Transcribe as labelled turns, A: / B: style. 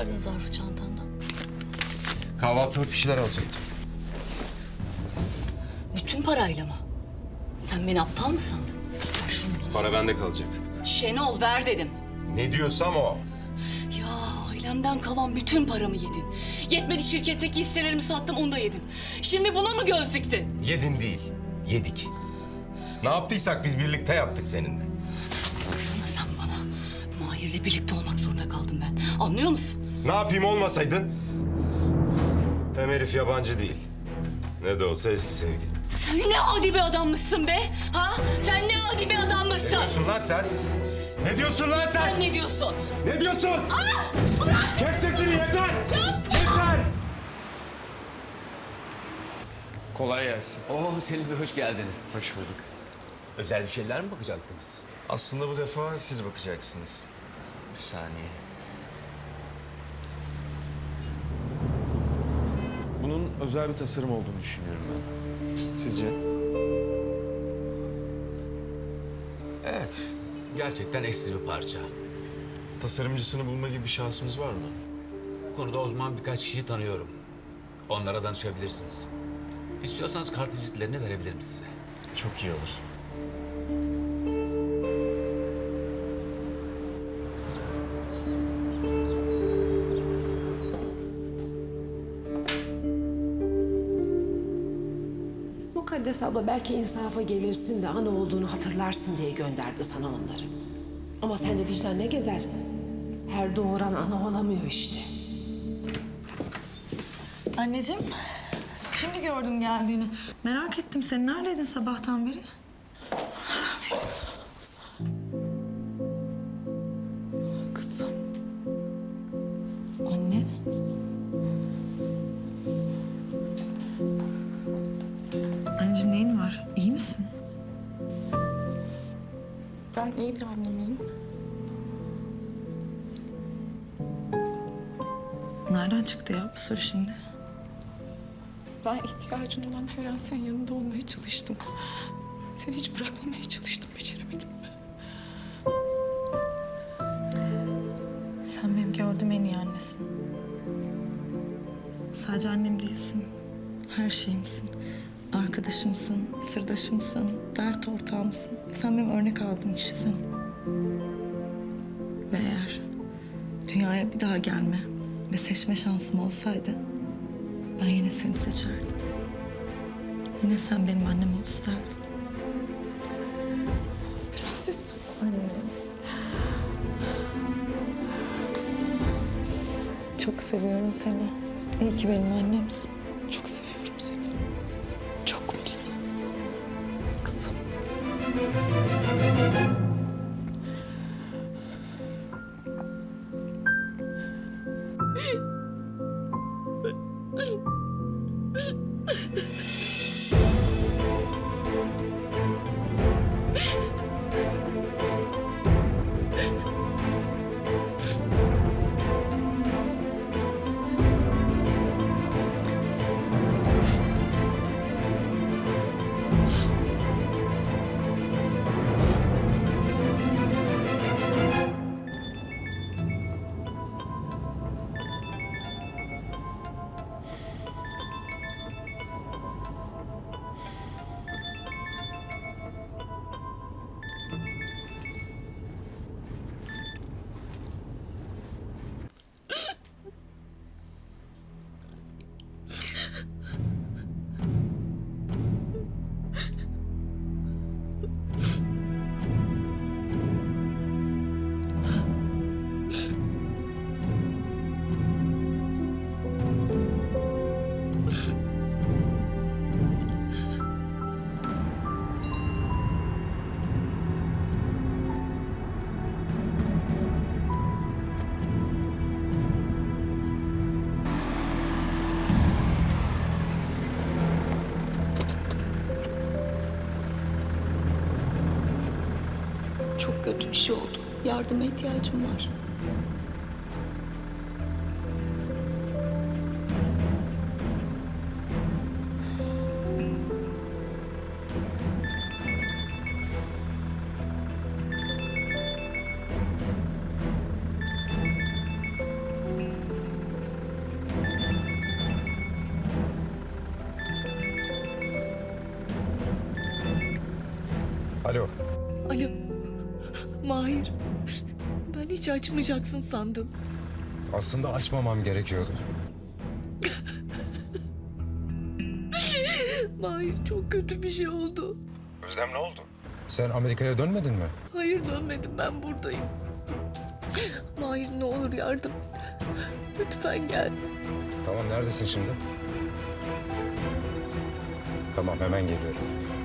A: çıkardın zarfı çantandan?
B: Kahvaltılık bir şeyler alacaktım.
A: Bütün parayla mı? Sen beni aptal mı sandın? Ver şunu bana.
B: Para bende kalacak.
A: Şenol ver dedim.
B: Ne diyorsam o.
A: Ya ailemden kalan bütün paramı yedin. Yetmedi şirketteki hisselerimi sattım onu da yedin. Şimdi buna mı göz diktin?
B: Yedin değil, yedik. Ne yaptıysak biz birlikte yaptık seninle.
A: Baksana sen bana. Mahir'le birlikte olmak zorunda kaldım ben. Anlıyor musun?
B: Ne yapayım olmasaydın? Hem herif yabancı değil. Ne de olsa eski sevgili.
A: Sen ne adi bir adammışsın be? Ha? Sen ne adi bir
B: Ne
A: adammışsın?
B: diyorsun lan sen? Ne diyorsun lan sen?
A: Sen ne diyorsun?
B: Ne diyorsun?
A: Bırak!
B: Kes sesini yeter! Yeter!
C: Kolay gelsin.
D: Selim Bey hoş geldiniz.
C: Hoş bulduk.
D: Özel bir şeyler mi bakacaktınız?
C: Aslında bu defa siz bakacaksınız. Bir saniye. Bunun özel bir tasarım olduğunu düşünüyorum ben. Sizce?
D: Evet. Gerçekten eşsiz bir parça.
C: Tasarımcısını bulma gibi bir şansımız var mı?
D: Bu konuda uzman birkaç kişiyi tanıyorum. Onlara danışabilirsiniz. İstiyorsanız kart vizitlerini verebilirim size.
C: Çok iyi olur.
E: Mukaddes abla belki insafa gelirsin de ana olduğunu hatırlarsın diye gönderdi sana onları. Ama sende vicdan ne gezer? Her doğuran ana olamıyor işte.
F: Anneciğim, şimdi gördüm geldiğini. Merak ettim. Sen neredeydin sabahtan beri?
E: Kızım.
F: Anne. Anneciğim neyin var? İyi misin?
G: Ben iyi bir anne miyim?
F: Nereden çıktı ya bu soru şimdi?
G: Ben ihtiyacın olan her an senin yanında olmaya çalıştım. Seni hiç bırakmamaya çalıştım, beceremedim.
F: Sen benim gördüğüm en iyi annesin. Sadece annem değilsin. Her şeyimsin. Arkadaşımsın, sırdaşımsın, dert ortağımsın. Sen benim örnek aldığım kişisin. Ve eğer dünyaya bir daha gelme ve seçme şansım olsaydı ben yine seni seçerdim. Yine sen benim annem ol isterdim.
G: Prenses.
F: Çok seviyorum seni. İyi ki benim annemsin.
G: Çok seviyorum seni. Çok Melisa. Kızım.
A: Çok kötü bir şey oldu. Yardıma ihtiyacım var.
B: Alo.
A: Alo. Mahir. Ben hiç açmayacaksın sandım.
B: Aslında açmamam gerekiyordu.
A: Mahir çok kötü bir şey oldu.
B: Özlem ne oldu? Sen Amerika'ya dönmedin mi?
A: Hayır dönmedim, ben buradayım. Mahir ne olur yardım et. Lütfen gel.
B: Tamam, neredesin şimdi? Tamam, hemen geliyorum.